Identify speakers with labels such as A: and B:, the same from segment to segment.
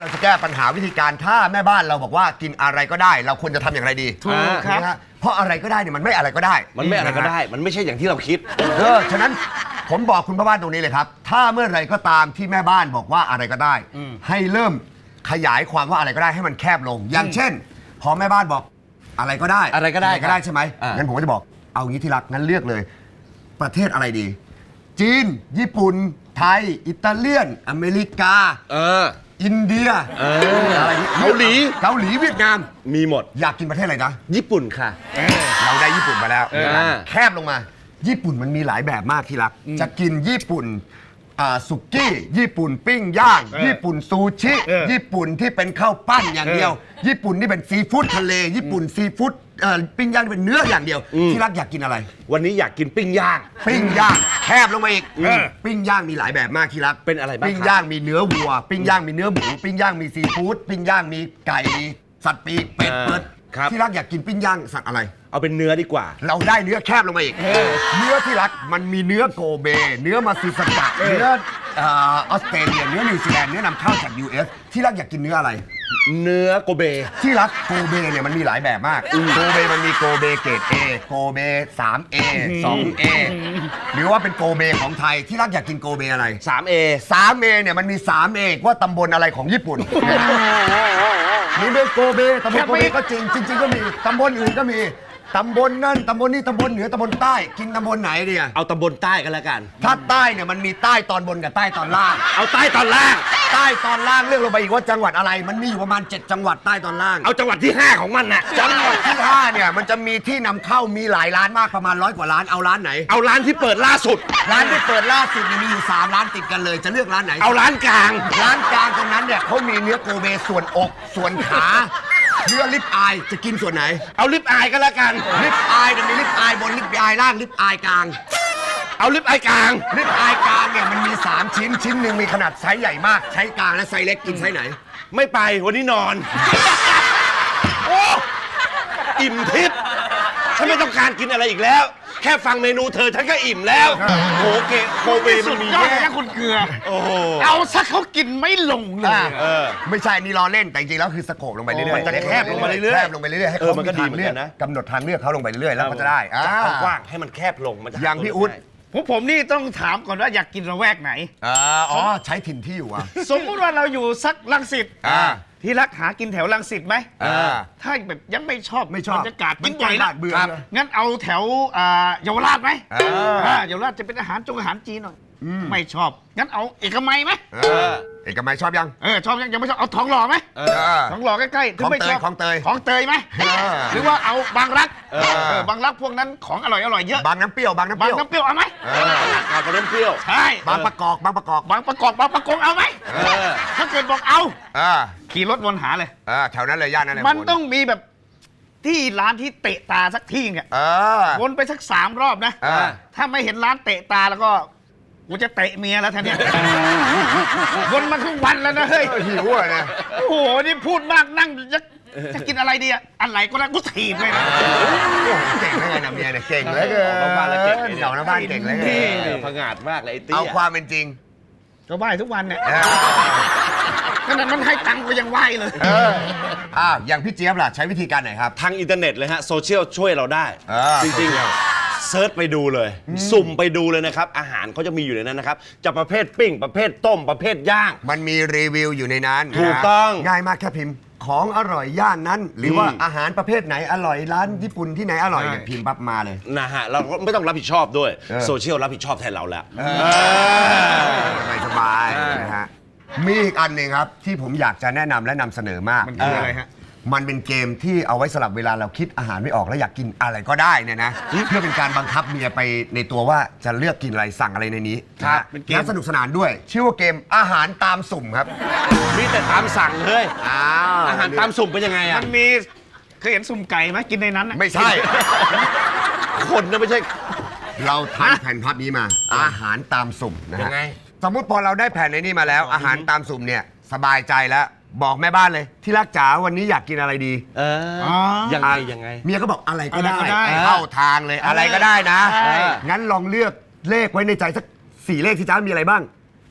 A: เราจะแก้ปัญหาวิธีการถ้าแม่บ้านเราบอกว่ากินอะไรก็ได้ เราควรจะทำอย่างไรดี
B: ถูกครับ
A: เพราะอะไรก็ได้เนี่ยมันไม่อะไรก็ได้
C: มันไม่อะไรก็ได้ มันไม่ใช่อย่างที่เราคิด
A: ฉะนั้นผมบอกคุณพ่อบ้านตรงนี้เลยครับถ้าเมื่อไรก็ตามที่แม่บ้านบอกว่าอะไรก็ได้ให้เริ่มขยายความว่าอะไรก็ได้ให้มันแคบลง อย่างเช่นพอแม่บ้านบอกอะไรก็ได้
C: อะไรก็ได้
A: ใช่ไหมงั้นผมก็จะบอกเอางี้ที่รักงั้นเลือกเลยประเทศอะไรดีจีนญี่ปุ่นไทยอิตาเลียนอเมริกาอินเดียอะไรเกาหลีเวียดนาม
C: มีหมด
A: อยากกินประเทศอะไรนะ
C: ญี่ปุ่นค่ะ
A: เราได้ญี่ปุ่นมาแล้วแคบลงมาญี่ปุ่นมันมีหลายแบบมากที่รักจะกินญี่ปุ่นสุกี้ญี่ปุ่นปิ้งย่างญี่ปุ่นซูชิญี่ปุ่นที่เป็นข้าวปั้นอย่างเดียวญี่ปุ่นที่เป็นซีฟู้ดทะเลญี่ปุ่นซีฟู้ดปิ้งย่างที่เป็นเนื้ออย่างเดียวที่รักอยากกินอะไร
C: วันนี้อยากกินปิ้งย่าง
A: แคบลงมาอีกปิ้งย่างมีหลายแบบมากที่รัก
C: เป็นอะไรบ้าง
A: ปิ้งย่างมีเนื้อวัวปิ้งย่างมีเนื้อหมูปิ้งย่างมีซีฟู้ดปิ้งย่างมีไก่สัตว์ปีกเป็ดเปิดที่รักอยากกินปิ้งย่างสัตว์อะไร
C: เอาเป็นเนื้อดีกว่า
A: เราได้เนื้อแคบลงมาอีกเนื้อที่รักมันมีเนื้อโกเบเนื้อมาซิสกะเนื้อออสเตรเลียเนื้อนิวซีแลนด์เนื้อนำเข้าจาก US ที่รักอยากกินเนื้ออะไร
C: เนื้อโกเบ
A: ที่รักโกเบเนี่ยมันมีหลายแบบมากโกเบมันมีโกเบเกรด A โกเบ 3A 2A หรือว่าเป็นโกเบของไทยที่รักอยากกินโกเบอะไร
C: 3A
A: เนี่ยมันมี 3A ว่าตำบลอะไรของญี่ปุ่นมีเมืองโกเบตำบลโกเบก็จริงก็มีตำบลอื่นก็มีตำบลนั่นตำบลนี่ตำบลเหนือตำบลใต้กินตำบลไหนดี
C: เอาตำบลใต้กันแล้วกัน
A: ถ้าใต้เนี่ยมันมีใต้ตอนบนกับใต้ตอนล่าง
C: เอาใต้ตอนล่าง
A: ใต้ตอนล่างเลือกลงไปอีกว่าจังหวัดอะไรมันมีอยู่ประมาณ7จังหวัดใต้ตอนล่าง
C: เอาจังหวัดที่5ของมันน่ะ
A: จังหวัดที่5เนี่ยมันจะมีที่นำเข้ามีหลายร้านมากประมาณ100 กว่าร้านเอาร้านไหน
C: เอาร้านที่เปิดล่าสุด
A: ร้านที่เปิดล่าสุดมีอยู่3ร้านติดกันเลยจะเลือกร้านไหน
C: เอาร้านกลาง
A: ตรงนั้นเนี่ยเขามีเนื้อโกเบส่วนอกส่วนขาเนื้อลิปอายจะกินส่วนไหน
C: เอาลิปอายก็แล้วกัน
A: ลิปอายจะมีลิปอายบนลิปอายล่างลิปอายกลาง
C: เอาลิปอายกลาง
A: ลิปอายกลางเนี่ยมันมี3ชิ้นหนึ่งมีขนาดไซส์ใหญ่มากไซส์กลางและไซส์เล็กกินไซส์ไหน
C: ไม่ไปวันนี้นอนโอ้อิ่มทิพย์ฉันไม่ต้องการกินอะไรอีกแล้วแค่ฟังเมนูเธอฉันก็อิ่มแล้วโหเกะโคเวมันมีแย่
B: คุณเกลือ
C: โอ้โห
B: เอาซะเขากินไม่ลงเลย
A: ไม่ใช่นี่ล้อเล่นแต่จริงๆแล้วคือสโคปลงไปเรื่อยๆ
C: มันจะแคบลงมาเรื่อยๆ
A: ให้เขามีทางเลือกกำหนดทางเลือกเขาลงไปเรื่อยๆแล้วก็จะได้
C: กว้างให้มันแคบลงมัน
A: อย่างพี่อุ๊ด
B: ผมนี่ต้องถามก่อนว่าอยากกินระแวกไหน
A: ใช้ถิ่นที่อยู่
B: สมมติว่าเราอยู่สักรังสิตที่รักหากินแถวรังสิตไหมถ้าแบบยังไม่ชอบบรรยากาศกินบ่อยละงั้นเอาแถวเยาวราชไหมเยาวราชจะเป็นอาหารจีนหน่อยไม่ชอบงั้นเอาเอกมัยไหม
A: เอกมัยชอบยัง
B: ชอบยังไม่ชอบเอาทองหล่อไหมทองหล่อใกล้ๆ
A: ของเตยของ
B: เตยไหมหรือว่าเอาบางรักบางรักพวกนั้นของอร่อยเยอะ
A: บางน้ำเปรี้ยว
B: เอาไหม
C: บางน้ำเปรี้ยว
B: ใช่
A: บางประกอบ
B: บางประกงเอาไหมถ้าเกิดบอกเอาขี่รถวนหาเลย
A: แถวนั้นเลยย่านนั้นเลย
B: มันต้องมีแบบที่ร้านที่เตะตาสักที่เนี่ยวนไปสัก3 รอบนะถ้าไม่เห็นร้านเตะตาแล้วก็กูจะเตะเมียแล้วท่านเนี่ยวนมาครึ่งวันแล้วนะเฮ้ย
A: หิวอ่ะเนี่ย
B: โอ้โหนี่พูดมากนั่งจะกินอะไรดีอะอะไรก็ได้กูถีบเลยนะ
A: เก่งเลยนะเมียเนี่ยเก่งเลยเ
C: อาบ้านแล้วเก่ง
A: เหล่าหน้าบ้านเก่งเลย
C: ผงาดมากเลยไอ้ตี้
A: เอาความเป็นจริง
B: ก็ไหว้ทุกวันเนี่ยขนาดมันให้ตังค์ก็ยังไหว้เลย
A: อย่างพี่เจี๊ยบล่ะใช้วิธีการไหนครับ
C: ทางอินเทอร์เน็ตเลยฮะโซเชียลช่วยเราได้จริงๆเซิร์ชไปดูเลยสุ่มไปดูเลยนะครับอาหารเขาจะมีอยู่ในนั้นนะครับจะประเภทปิ้งประเภทต้มประเภทย่าง
A: มันมีรีวิวอยู่ในนั้น
C: ถูกต้อง
A: ง่ายมากแค่พิมพ์ของอร่อยย่านนั้นหรือว่าอาหารประเภทไหนอร่อยร้านญี่ปุ่นที่ไหนอร่อยเนี่ยพิมพ์ปั๊บมาเลย
C: นะฮะเราไม่ต้องรับผิดชอบด้วยโซเชียลรับผิดชอบแทนเราแล้ว
A: สบายนะฮะมีอีกอันหนึ่งครับที่ผมอยากจะแนะนำและนำเสนอมาก
B: มันคืออะไรฮะ
A: มันเป็นเกมที่เอาไว้สลับเวลาเราคิดอาหารไม่ออกแล้วอยากกินอะไรก็ได้เนี่ยนะเพื่อเป็นการบังคับเมียไปในตัวว่าจะเลือกกินอะไรสั่งอะไรในนี้เป็นเกมสนุกสนานด้วยชื่อว่าเกมอาหารตามสุ่มครับ
C: มีแต่ตามสั่งเลยอาหารตามสุ่มเป็นยังไงอ่ะ
B: มันมีเคยเห็นสุ่มไก่ไหมกินในนั้น
A: ไม่ใช่
C: คนนะไม่ใช่
A: เราทำแผ่นพับนี้มาอาหารตามสุ่มนะฮะสมมติพอเราได้แผ่นในนี้มาแล้วอาหารตามสุ่มเนี่ยสบายใจแล้วบอกแม่บ้านเลยที่รักจ๋าวันนี้อยากกินอะไรดี
C: ยังไง
A: เมียก็บอกอะไรก็ได้เข้าทางเลยอะไรก็ได้นะงั้นลองเลือกเลขไว้ในใจสัก4 เลขที่จ้ามีอะไรบ้าง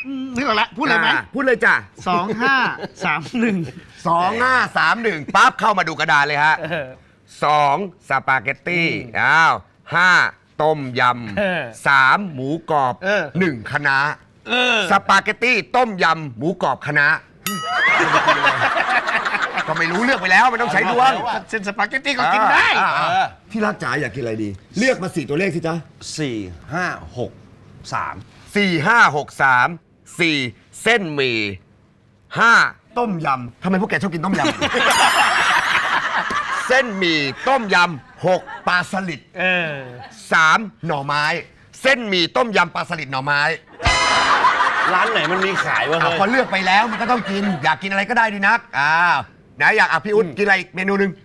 B: นึกออกแล้วพูดเลยไหม
A: พูดเลยจ้ะ
B: 2531
A: 2531ปั๊บเข้ามาดูกระดานเลยฮะ 2 สปาเกตตี้5 ต้มยำ3 หมูกรอบ1 คะน้าสปาเกตตี้ต้มยำหมูกรอบคะน้าก็ไม่รู้เลือกไปแล้วมันต้องใช้ดวง
B: เส้นสปาเกตตี้ก็กินได้
A: ที่รักจ๋าอยากกินอะไรดี เลือกมา4ตัวเลขสิจ๊ะ
C: 4 5 6 3
A: 4 5 6 3 4 เส้นหมี่5 ต้มยำทำไมพวกแกชอบกินต้มยำ เส้นหมี่ต้มยำ6 ปลาสลิด3 หน่อไม้ เส้นหมี่ต้มยำปลาสลิดหน่อไม้
C: ร้านไหนมันมีขายวะ
A: พอเลือกไปแล้วมันก็ต้องกิน อยากกินอะไรก็ได้ดีนักไหนอยากพี่อุ๊ดกินอะไรอีกเมนูหนึ่ง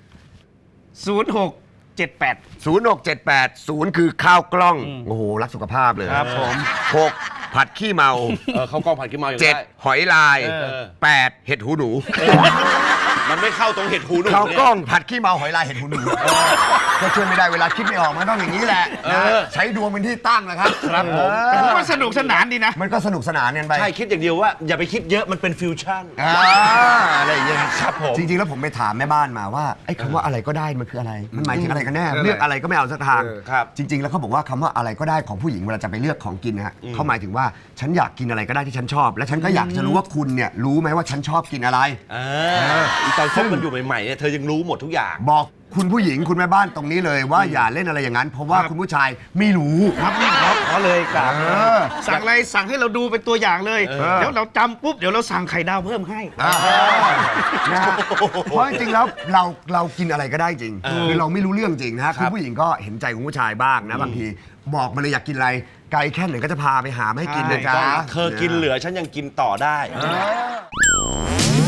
B: 0678
A: 0678 0คือข้าวกล้องโอ้โหรักสุขภาพเลย
B: ครับผม
A: 6 ผัดขี้เมา
C: เขากล้องผัดขี้เมาอย่างได้
A: 7 หอยลาย 8 เห็ดหูหนู
C: มันไม่เข้าตรงเห็ดหูหนู
A: ข้าว
C: เนี่ย
A: กล้องผัดขี้เมาหอยลายเห็ดหูหนูก็ช่วยไม่ได้เวลาคิดไม่ออกมันต้องอย่างนี้แหละนะใช้ดวงเป็นที่ตั้งนะครับ
C: ครับผม
B: แต่ผมว่าสนุกสนานดีนะ
A: มันก็สนุกสนานกันไป
C: ใช่คิดอย่างเดียวว่าอย่าไปคิดเยอะมันเป็นฟิวชั่น
A: อะไรอย่างเงี้ย
C: ครับผม
A: จริงๆแล้วผมไปถามแม่บ้านมาว่าไอ้คำว่าอะไรก็ได้มันคืออะไร มันหมายถึงอะไรกันแน่เลือกอะไรก็ไม่เอาสักทาง
C: ครับ
A: จริง ๆ แล้วเขาบอกว่าคำว่าอะไรก็ได้ของผู้หญิงเวลาจะไปเลือกของกินนะฮะเขาหมายถึงว่าฉันอยากกินอะไรก็ได้ที่ฉันชอบ และฉันก็อยากจะรู้ว่าคุณเนี่ยรู้ไหมว่าฉันชอบกินอะไร
C: ตอนคบมันอยู่ใหม่ๆเนี่ยเธอยังรู้หมดทุกอย่าง
A: บอกคุณผู้หญิงคุณแม่บ้านตรงนี้เลยว่าอย่าเล่นอะไรอย่างนั้น เพราะว่าคุณผู้ชายไม่รู้
B: ครับขอเลยครับสั่งอะไรสั่งให้เราดูเป็นตัวอย่างเลย เดี๋ยวเราจำปุ๊บเดี๋ยวเราสั่งไข่ดาวเพิ่มให้
A: นะฮะเพราะจริงๆแล้วเรากินอะไรก็ได้จริงคือเราไม่รู้เรื่องจริงนะฮะคุณผู้หญิงก็เห็นใจคุณผู้ชายบ้างนะบางทีบอกมาเลยอยากกินอะไรไกลแค่ไหนก็จะพาไปหามาให้กินเลยจ้า
C: เธอกินเหลือฉันยังกินต่อได้